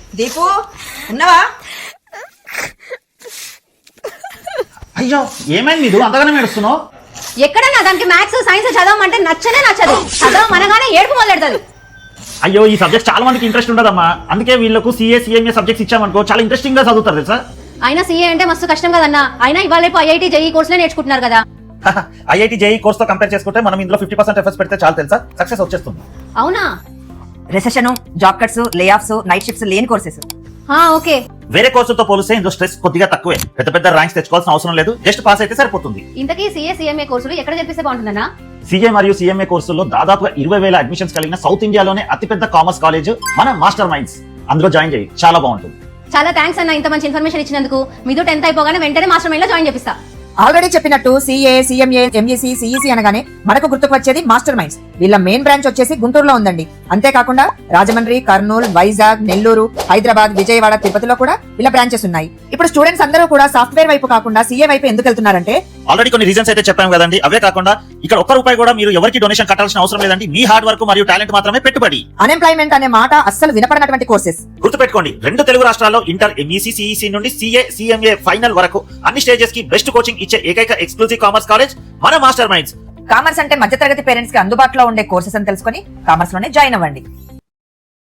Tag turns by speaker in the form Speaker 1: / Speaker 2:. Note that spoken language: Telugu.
Speaker 1: దీపు ఉన్నావా?
Speaker 2: అయ్యో ఏమైంది నీకు అంతగానే ఏడుస్తున్నావు?
Speaker 3: ఎక్కడన్నా దానికి మ్యాథ్స్ సైన్స్ చదవమంటే నచ్చదు. చదవమనగానే ఏడుపు మొదలెడుతుంది.
Speaker 2: అయ్యో ఈ సబ్జెక్ట్ చాలా మందికి ఇంట్రెస్ట్ ఉండదమ్మా, అందుకే వీళ్ళకు సిఏ సిఎంఏ సబ్జెక్ట్స్ ఇచ్చామనుకో చాలా ఇంట్రెస్టింగ్ గా చదువుతారు తెలుసా.
Speaker 3: అయినా సీఏ అంటే మస్తు కష్టం కదన్నా. అయినా ఇవాళ రేపు ఐఐటీ జేఈ కోర్సులే నేర్చుకుంటున్నారు కదా.
Speaker 2: ఐఐటి జేఈ కోర్స్ తో కంపేర్ చేసుకుంటే మనం ఇందులో 50% ఎఫర్ట్స్ పెడితే చాలు తెలుసా, సక్సెస్ వచ్చేస్తుంది.
Speaker 3: అవునా?
Speaker 1: Recession, job cuts, layoffs, night shifts లేని కోర్సెస్.
Speaker 3: ఓకే.
Speaker 2: వేరే కోర్సులతో పోలిస్తే ఇందులో స్ట్రెస్ కొద్దిగా తక్కువే. పెద్ద ర్యాంక్స్ తెచ్చుకోవాల్సిన అవసరం లేదు, జస్ట్ పాస్ అయితే సరిపోతుంది.
Speaker 3: ఇంతకీ సీఏ సిఎంఏ కోర్సులు ఎక్కడ చెప్పిస్తే బాగుంటుందన్నా?
Speaker 2: సిఏ మరియు సిఎంఏ కోర్సుల్లో దాదాపుగా 20,000 అడ్మిషన్స్ కలిగిన సౌత్ ఇండియాలోనే అతిపెద్ద కామర్స్ కాలేజ్ మన మాస్టర్ మైండ్స్. అందులో జాయిన్ చేయి, చాలా బాగుంటుంది.
Speaker 3: చాలా థ్యాంక్స్ అన్న, ఇంత మంచి ఇన్ఫర్మేషన్ ఇచ్చినందుకు. మీతో 10th అయిపోగానే వెంటనే మాస్టర్ మైండ్ లో జాయిన్ చేపిస్తా.
Speaker 1: ఆల్రెడీ చెప్పినట్టు సిఏ, సిఎంఏ, ఎంఈసి, సిఈసి అనగానే మనకు గుర్తుకు వచ్చేది మాస్టర్ మైండ్స్. వీళ్ళ మెయిన్ బ్రాంచ్ వచ్చేసి గుంటూరులో ఉందండి. అంతేకాకుండా రాజమండ్రి, కర్నూలు, వైజాగ్, నెల్లూరు, హైదరాబాద్, విజయవాడ, తిరుపతిలో కూడా వీళ్ళ బ్రాంచెస్ ఉన్నాయి. ఇప్పుడు స్టూడెంట్స్ అందరూ కూడా సాఫ్ట్వేర్ వైపు కాకుండా సిఏ వైపు ఎందుకు వెళ్తున్నారంటే
Speaker 2: ఆల్రెడీ కొన్ని రీజన్స్ అయితే చెప్పాం కదండి. అవే కాకుండా ఇక్కడ ఒక్క రూపాయి కూడా మీరు ఎవరికి డొనేషన్ కట్టాల్సిన అవసరం లేదండి. మీ హార్డ్ వర్క్ మరియు టాలెంట్ మాత్రమే పెట్టుబడి.
Speaker 1: అన్ఎంప్లాయ్మెంట్ అనే మాట అస్సలు వినపడినటువంటి కోర్సెస్.
Speaker 2: గుర్తుపెట్టుకోండి, 2 తెలుగు రాష్ట్రాల్లో ఇంటర్, ఎంఈసి, సిఈసి నుండి సిఏ, సిఎంఏ ఫైనల్ వరకు అన్ని స్టేజెస్ కి బెస్ట్ కోచింగ్ ఇచ్చే ఏకైక ఎక్స్క్లూజివ్ కామర్స్ కాలేజ్ మన మాస్టర్ మైండ్స్.
Speaker 1: కామర్స్ అంటే మధ్యతరగతి పేరెంట్స్ కి అందుబాటులో ఉండే కోర్సెస్ అని తెలుసుకొని కామర్స్ లోనే జాయిన్ అవ్వండి.